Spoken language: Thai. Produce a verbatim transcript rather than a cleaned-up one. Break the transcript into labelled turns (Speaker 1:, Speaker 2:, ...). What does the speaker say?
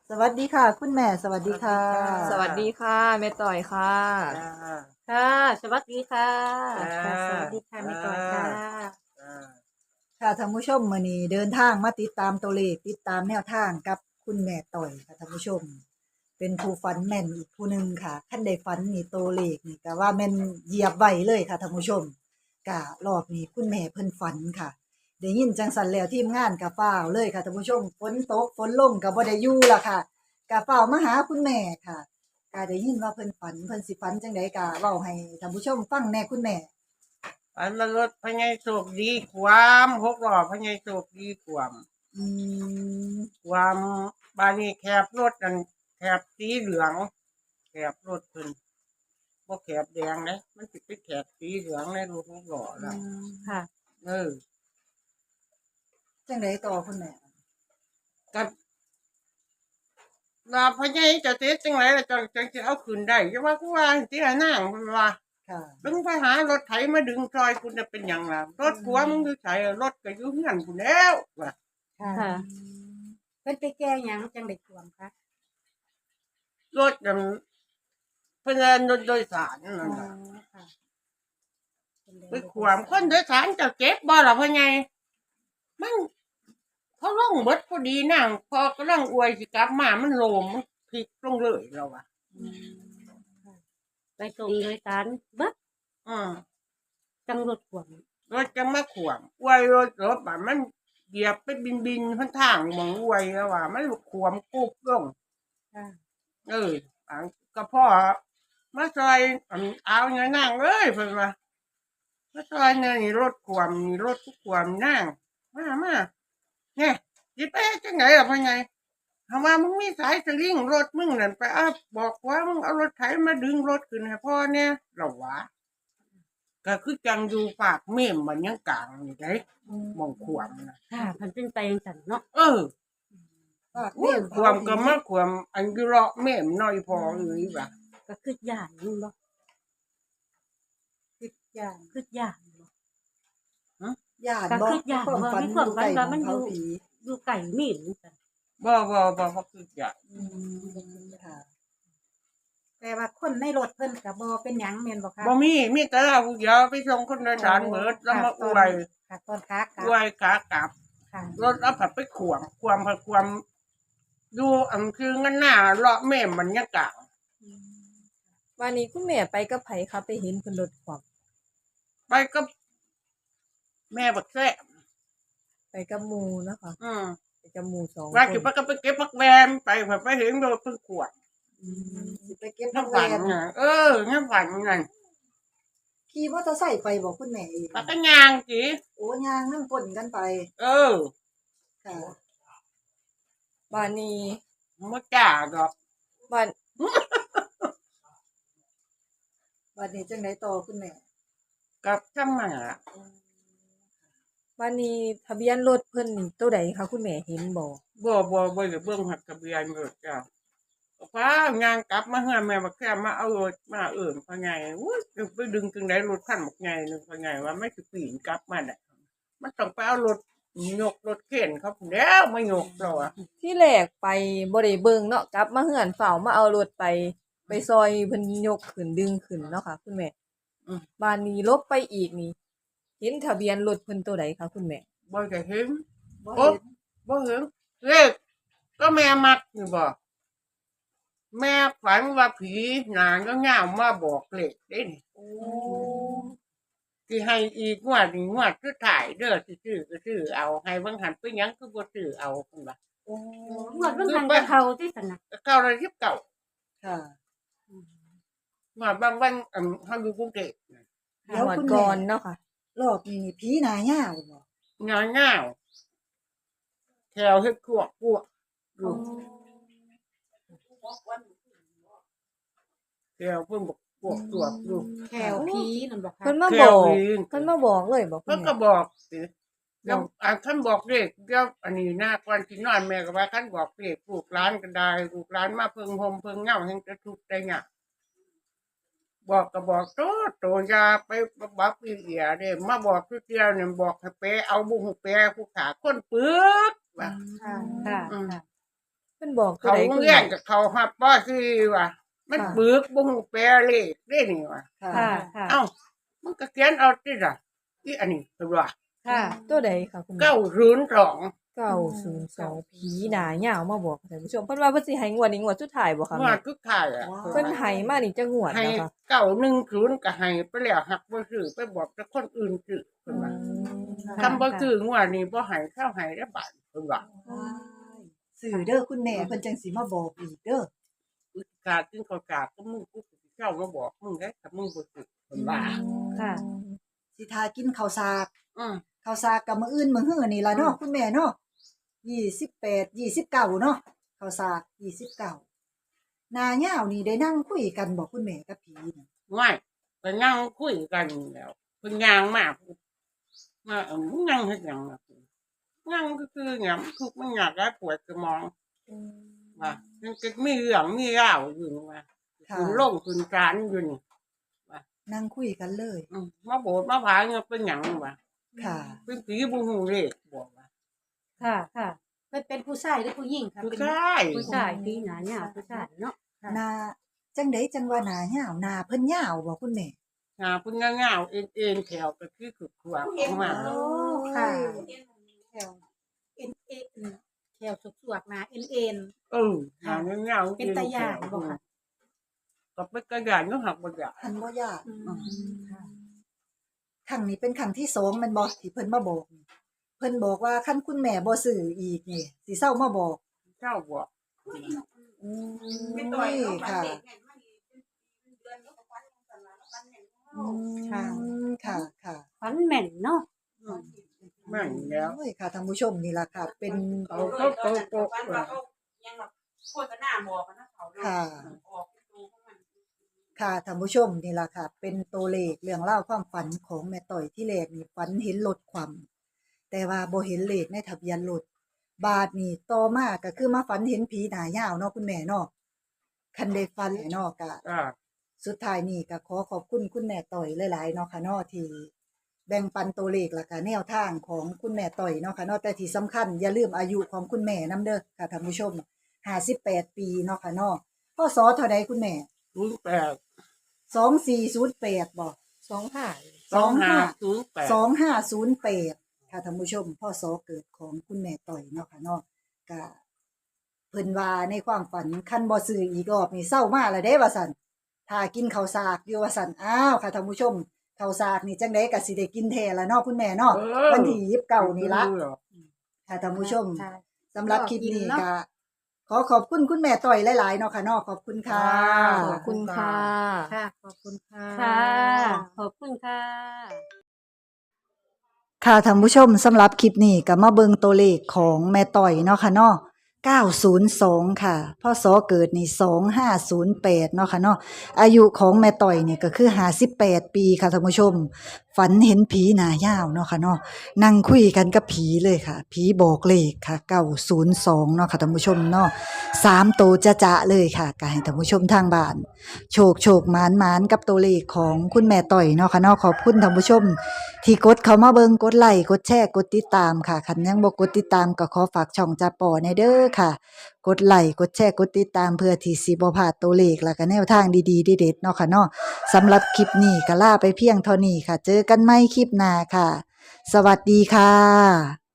Speaker 1: สวัสดีค่ะคุณแม่สวัสดีค่ะ
Speaker 2: สวัสดีค่ะแม่ต่อยค่ะ
Speaker 3: จ้า
Speaker 4: ค่ะสวัสดีค่ะ
Speaker 3: จ้า
Speaker 1: ค่ะสวัสดีค่ะแม่ต่อยค่ะ
Speaker 3: จ้า
Speaker 1: ค่ะท่านผู้ชมมื้อนี้เดินทางมาติดตามตัวเลขติดตามแนวทางกับคุณแม่ต่อยค่ะท่านผู้ชม เป็นผู้ฝันแม่นอีกผู้หนึ่งค่ะคันได้ฝันนี่ตัวเลขนี่ก็ว่าแม่นเหยียบไว้เลยค่ะท่านผู้ชมก็รอบนี้คุณแม่เพิ่นฝันค่ะได้ยินจังสันแล้วทีมงานก็ฟ้าวเลยค่ะท่านผู้ชมฝนตกฝนลงก็บ่ได้อยู่ล่ะค่ะก็ฟ้าวมาหาคุณแม่ค่ะก็ได้ยินว่าเพิ่นฝันเพิ่นสิฝันจังไดก็เว้าให้ท่านผู้ชมฟังแหน่คุณแม่
Speaker 3: อันมารถพญายโศกดีความหกล้อพญายโศกดีความ
Speaker 1: อืม
Speaker 3: ความบานี้แคบรถนั่นแคบสีเหลืองแคบรถขึ้นบ่แคบแดงนะมันสิเป็นแคบสีเหลืองในรถหกล้อน่ะ
Speaker 4: ค่ะ
Speaker 3: เออ
Speaker 1: จังไดต่อคุณแม่
Speaker 3: กับว่าพญายจะเสียจังไรล่ะจังจังสิเอาขึ้นได้จะว่ากูว่าสิหานางเพิ่นว่า
Speaker 1: ค่ะ
Speaker 3: ดึงไปหารถไถมาดึงซอยคุณจะเป็นหยังล่ะรถผัวมึงอยู่ไสรถก็อยู่เฮือนกูแล้วว่า
Speaker 1: ค่ะ
Speaker 4: ค่ะ เพิ่นไปแก้หยังจังได้ท่วมคะ
Speaker 3: รถนั่นเพิ่นเอิ้นรถโดยสารนั่น
Speaker 4: อ๋อ
Speaker 3: น่ะ
Speaker 4: ค่ะ
Speaker 3: ไปขวามคนโดยสารเจะเจ็บบ่ล่ะพ่อใหญ่มันเขาลงเบิดพอดีนั่งพอกำลังอวยสิกลับมามันโลมมันพลิกลงเลยแล้วว่ะ
Speaker 4: ไปส่งโดยสารเบิด
Speaker 3: อืม
Speaker 4: จังรถท่วม
Speaker 3: รถจะมาขวามอวยรถรถแบบมันเหยียบไปบินบินๆข้างทางหมองอวยแล้วว่ะมันขวามกุบลง
Speaker 4: ค่ะ
Speaker 3: เอออันก็พ่อมาซอยอันเอาเงินนั่งเลยเพิ่นว่ามาซอยเนี่ยนี่รถขวามนี่รถทุกขวามนั่งมามาเนี่ยสิไปเฮ็ดจังไงล่ะพ่อใหญ่ถามว่ามึงมีสายสลิงรถมึงนั่นไปเอาบอกว่ามึงเอารถไถมาดึงรถขึ้นให้พ่อเนี่ยเหรอวะก็คือจังอยู่ปากเม่มมันยังกลางนี่ได้มองขวามนะ
Speaker 4: ค่ะเพิ่นเป็นไปจังซั่นเนาะ
Speaker 3: เออ
Speaker 1: ฝาก
Speaker 3: โอ้ยขวามก็มาขวามอันอยู่เลาะเม่มน้อยพอเลยว่ะ
Speaker 4: ก็คือย่านนี่บ่
Speaker 1: คิดย่าน
Speaker 4: คือย่านบ่
Speaker 1: ย่าน
Speaker 4: ก็
Speaker 1: บ่
Speaker 4: คิดย่าน
Speaker 1: ความ
Speaker 4: บ่
Speaker 1: ฝัน
Speaker 4: มีความฝันว่ามัน
Speaker 1: อยู่
Speaker 4: อยู่
Speaker 1: ใกล้ของเขาผี
Speaker 4: อยู่ไกลมีดจังซั่น
Speaker 3: บ่บ่บ่บ่คือจะ
Speaker 1: อืมค่ะ
Speaker 4: แต่ว่าคนในรถเพิ่นก็บ่เป็นหยังแม่นบ่คะ
Speaker 3: บ่มีมีแต่เราผู้เดียวไปส่งคนโดยสารเบิดแล้วมาอวย
Speaker 4: ค่ะตอนขากลั
Speaker 3: อบ วยขากลับ
Speaker 4: ค่ะ
Speaker 3: รถเอาผัดไปขวางความผัดความดูอันคืองั้นหน้าเลาะแม่มันยังกลาง
Speaker 2: วันนี้คุณแม่ไปกับไผคะไปเห็นเพิ่นรถความ
Speaker 3: ไปกับแม่บักแซ่
Speaker 2: ไปกับหมู่นะคะ
Speaker 3: อืม
Speaker 2: ไปกับหมู่สอง
Speaker 3: ว่า
Speaker 2: ค
Speaker 3: สิ
Speaker 2: น
Speaker 3: ไปก็ไปเก็บผักแวมไปผัดไปเห็นรถเพิ่งขวาง
Speaker 1: อืมสิไปเก็บผัก
Speaker 3: น้ำ
Speaker 1: แว
Speaker 3: ฝัน
Speaker 1: น
Speaker 3: น่ะเออน้ำฝันนั่น
Speaker 1: ขี่มอเตอร์ไซค์ไปบอกคุณแม่เอง
Speaker 3: ปากกยางจี
Speaker 1: โอ้ย่างนั่งกลนกันไป
Speaker 3: เออ
Speaker 1: ค่ะ
Speaker 2: วันนี้
Speaker 3: มาจ่าดอก
Speaker 2: วัน
Speaker 1: วันนี้จังไดต่อคุณแม่
Speaker 3: กับจำมา
Speaker 2: วันนี้ทะเบียนรถเพิ่นนี่ตัวใดคะคุณแม่เห็นบ่
Speaker 3: บ่บ่บ่ได้เบิ่งหักทะเบียนรถจ้าฟ้างานกลับมาเฮือนแม่บักแซ่มาเอารถมาเอิ่นพ่อใหญ่อุ้ยไปดึงจังได๋รถคันบักใหญ่นึงพ่อใหญ่ว่าไม่สิปีนกลับมาได้มันต้องไปเอารถยกรถเข็นเขาพุ่นแล้วมายกเราอ่ะ
Speaker 2: ที่แรกไปบ่ได้เบิ่งเนาะกลับมาเฮือนเฝ้ามาเอารถไป ไปซอยเพิ่นยกขึ้นดึงขึ้นเนาะค่ะ คุณแม่
Speaker 3: อืม
Speaker 2: บ้านนี้ลบไปอีกนี่ เห็นทะเบียนรถเพิ่นตัวใดคะคุณแม่
Speaker 3: บ่ได้เห็น
Speaker 1: บ่
Speaker 3: โอ๊ะ
Speaker 1: เห็น
Speaker 3: บ่เห็นเลขก็แม่มักนี่บ่แม่ฝันว่าผีหนางก็งามมาบอกเลขเด้นี่
Speaker 1: โอ้
Speaker 3: สิให้อีกงวดนี้งวดสุดท้ายเด้อสิซื้อก็ซื้อเอาให้เบิ่งหันไปหยังคือบ่ซื้อเอาพุ่นว่า
Speaker 1: โอ้
Speaker 4: งวดเบิ่งหันกับเขาที่ซั่นน่ะ
Speaker 3: เก้าร้อยสิบเก้า
Speaker 1: ค่ะ
Speaker 3: งวดบางวันอันเฮาอยู่กรุงเทพน่ะ
Speaker 1: เดี๋ยว
Speaker 2: หมด
Speaker 1: คุณ
Speaker 2: ก่
Speaker 1: แม่
Speaker 2: อนเนาะค่ะ
Speaker 1: รอบนี้นี่ผีหน้าย่าวบ่
Speaker 3: งาเงาวแถวเฮ็ดขวบพวกอยู่แถวเพิ่นบอกพวกตัวอยู่
Speaker 4: แถวผีนั่นบ่คะ
Speaker 2: เพิ่นมา
Speaker 3: แถ
Speaker 2: บอ
Speaker 3: ว
Speaker 2: ก
Speaker 3: นี้
Speaker 2: เพิ่นมาบอกเลยบอกคุ
Speaker 3: เพิ่น
Speaker 2: ณ
Speaker 3: ก็
Speaker 2: แม่
Speaker 3: บอกสิแล้วอันท่านบอกเลขเดี๋ยวอันนี้หน้าก่อนสินอนแม่ก็ว่าท่านบอกเลขลูกหลานก็ได้ลูกหลานมาเพิ่งห่มเพิ่งเหงาแห่งจะทุกข์ได้ยากบอกก็บอกโตโตอยาไปบักอีเอียเด้มาบอกทุกเดียวเนี่ยบอกให้ไปเอาบุ้งแปรผู้ขาคนปึกว่า
Speaker 4: ค่ะค่ะ
Speaker 3: อืม
Speaker 4: ค่ะ
Speaker 2: เพิ่พิ่นบอกตัว
Speaker 3: เขา
Speaker 2: ใด
Speaker 3: โรง
Speaker 2: คุณ
Speaker 3: เรียน
Speaker 2: แม่
Speaker 3: กับเขาหับป้อคือว่ะมัน
Speaker 2: ค่ะ
Speaker 3: ปึกบ่ฮู้แปลเลขได้นี่ว่ะ
Speaker 1: ค่ะ
Speaker 4: ค่ะค่ะ
Speaker 3: เอ้ามันก็เขียนเอาติล่ะอีอันนี้ตัวว่า
Speaker 4: ค่ะ
Speaker 2: ตัวใดค่ะคุณแม่
Speaker 3: เก้าศูนย์สอง
Speaker 2: เก้าศูนย์สองผีหน้ายาวมาบอกค่ะท่านผู้ชมเพิ่นว่าเพิ่นสิให้งวดนี้งวดสุดท้ายบ่คะ
Speaker 3: งว
Speaker 2: แม่
Speaker 3: ดทุกท้ายอ่ะ
Speaker 1: ว้าว
Speaker 2: เพิ่นให้มานี่จะงวด
Speaker 3: ให้
Speaker 2: แล้วค่ะ
Speaker 3: เก้าหนึ่งศูนย์ก็ให้ไปแล้วหักบ่ซื้อไปบอกแต่คนอื่นซื้อเพิ่นว่า
Speaker 4: ค่ะ
Speaker 3: คำบ่ซื้องวดนี้บ่ให้เข้าให้ได้บาทเพิ่นว่า
Speaker 1: สื่อเด้อคุณแม่เพิ่นจังสิมาบอกอีกเด้อ
Speaker 3: อุตส่าห์กินข้าวกาบก็มึงกูสิเข้ามาบอกมึงได้ถ้ามึงบ่ซื้อเพิ่นว่า
Speaker 4: ค่ะ
Speaker 1: สิทากินข้าวสาก
Speaker 3: อือ
Speaker 1: ข้าวสากกับมื้ออื่นมื้อฮื้อนี่ล่ะเนาะคุณแม่เนาะยี่สิบแปด ยี่สิบเก้าเนาะข้าวสากยี่สิบเก้าหน้ายาวนี่ได้นั่งคุยกันบ่คุณแม่กับผีน่ะ
Speaker 3: ไม่ก็นั่งคุยกันแล้วเพิ่นย่างมามาเออมึงนั่งเฮ็ดหยังล่ะนั่งก็คือหยังทุกข์มันอยากได้ปวดสมองว่ามันก็มีเรื่องมีราวอยู่นี่ว่า
Speaker 1: ค่ะ
Speaker 3: ขึ้นลงขึ้นศาลอยู่นี่
Speaker 1: นั่งคุยกันเลย
Speaker 3: อืมมาโบสถ์มาผาเงินเป็นหยังวะ
Speaker 1: ค่ะ
Speaker 3: เป็นผีบ่ฮู้เลขบอกว่า
Speaker 4: ค่ะ ค่ะเพิ่นเป็นผู้ชายหรือผู้หญิงค่ะ
Speaker 3: ผู้
Speaker 4: เป็น
Speaker 3: ชาย
Speaker 4: ผู้ชายปีหนาเนี่ยผู้ชายเนาะ
Speaker 1: หน้าจังได๋จังว่าหน้ายาวหน้าเพิ่นยาวบ่คุณแม่
Speaker 3: หาเพิ่นยาวๆเอ็นๆแถวก็คือขึกขวางออกมา
Speaker 4: โอ้ค่ะแถวเอ็นเอ็นแถวสุกสวกๆนะเอ็นเอ็น
Speaker 3: เออหายาวๆ
Speaker 4: เป็นตาย่านบ่คะ
Speaker 3: ก็เป็นตาย่านก็หักบ่ย่าน
Speaker 1: หันบ่ยาก
Speaker 4: อืมค่ะ
Speaker 1: ครั้งนี้เป็นครั้งที่สองแม่นบ่ที่เพิ่นมาบอกนี่เพิ่นบอกว่าคันคุณแม่บ่ซื้ออีกนี่สิเซามาบอก
Speaker 3: เจ้าบอก
Speaker 1: อืมค่ะอืม
Speaker 4: ค่ะ
Speaker 1: ค่ะค่ะ
Speaker 4: ฝันแม่นเนาะ
Speaker 3: อืมแม่นแล้ว
Speaker 1: โอ้ยค่ะท่านผู้ชมนี่ล่ะค่ะ เป็น
Speaker 3: เขาเขาเขาโตะ
Speaker 5: โฆษณาบอกกันนะเขาเนาะ
Speaker 1: ค่ะ
Speaker 5: ออกเป็นตัวของมัน
Speaker 1: ค่ะท่านผู้ชมนี่ล่ะค่ะ เป็นตัวเลขเรื่องเล่าวความฝันของแม่ต่อยที่แรกนี่ฝันเห็นรถความแต่ว่าบ่เห็นเลขในทะเบียนรถบาดนี่ต่อมาก็คือมาฝันเห็นผีหน้ายาวเนาะคุณแม่เนาะคันได้ฝันเนาะก็
Speaker 3: อ่า
Speaker 1: สุดท้ายนี่ก็ขอขอบคุณคุณแม่ต่อยหลายๆเนาะค่ะเนาะที่แบ่งปันตัวเลขแล้วก็แนวทางของคุณแม่ต่อยเนาะค่ะเนาะแต่ที่สำคัญอย่าลืมอายุของคุณแม่นํเด้อค่ะท่านผู้ชมห้าสิบแปดปีเนาะค่ะเนาะพศเท่าใดคุณแม่
Speaker 3: ศูนย์แปด
Speaker 1: สองสี่ศูนย์แปดบ่
Speaker 2: สองห้า
Speaker 3: สองห้าศูนย์แปด
Speaker 1: สองห้าศูนย์แปดค่ะท่านผู้ชมพ่อสอเกิดของคุณแม่ต่อยเนาะค่ะเนาะก็เพิ่นว่าในความฝันคันบ่ซื้ออีกรอบนี่เศร้ามาแล้วเด้ว่าซั่นถ้ากินข้าวสากอยู่ว่าซั่นอ้าวค่ะท่านผู้ชมข้าวสากนี่จังได๋ก็สิได้กินแท้ละเนาะคุณแม่เนาะวันที่ยี่สิบเก้านี่ละค่ะท่านผู้ชม
Speaker 4: ค่ะ
Speaker 1: สำหรับคลิปนี้
Speaker 4: เนาะ
Speaker 1: ก็ขอขอบคุณคุณแม่ต่อยหลายๆเนาะค่ะเนาะขอบคุณค่ะ
Speaker 2: ขอบคุณค่ะ
Speaker 4: ค่ะ ขอบคุณค่ะ
Speaker 5: ค่ะ
Speaker 4: ขอบคุณค่ะ
Speaker 1: ค่ะท่านผู้ชมสำหรับคลิปนี้ก็มาเบิ่งตัวเลขของแม่ต่อยเนาะค่ะเนาะเก้าศูนย์สองค่ะพศเกิดนี่สองห้าศูนย์แปดเนาะค่ะเนาะอายุของแม่ต่อยนี่ก็คือห้าสิบแปดปีค่ะท่านผู้ชม ฝันเห็นผีหน้ายาวเนาะค่ะเนาะนั่งคุยกันกับผีเลยค่ะผีบอกเลขค่ะเก้าศูนย์สองเนาะค่ะท่านผู้ชมเนาะสามโตวจะจะๆเลยค่ะก็ให้ท่านผู้ชมทางบ้าน โชคโชคหมานหมานกับตัวเลขของคุณแม่ต่อยเนาะค่ะเนาะขอบคุณท่านผู้ชม ที่กดเข้ามาเบิงกดไลค์กดแชร์กดติดตามค่ะคันยังบ่กดติดตามก็ขอฝากช่องจ่าป่อในเด้อค่ะ กดไลค์กดแชร์กดติดตามเพื่อที่สิบ่พลาดตัวเลขและก็แนวทางดีๆเด็ดๆเนาะค่ะเนาะสำหรับคลิปนี้ก็ลาไปเพียงเท่านี้ค่ะ เจอกันใหม่คลิปหน้าค่ะ สวัสดีค่ะ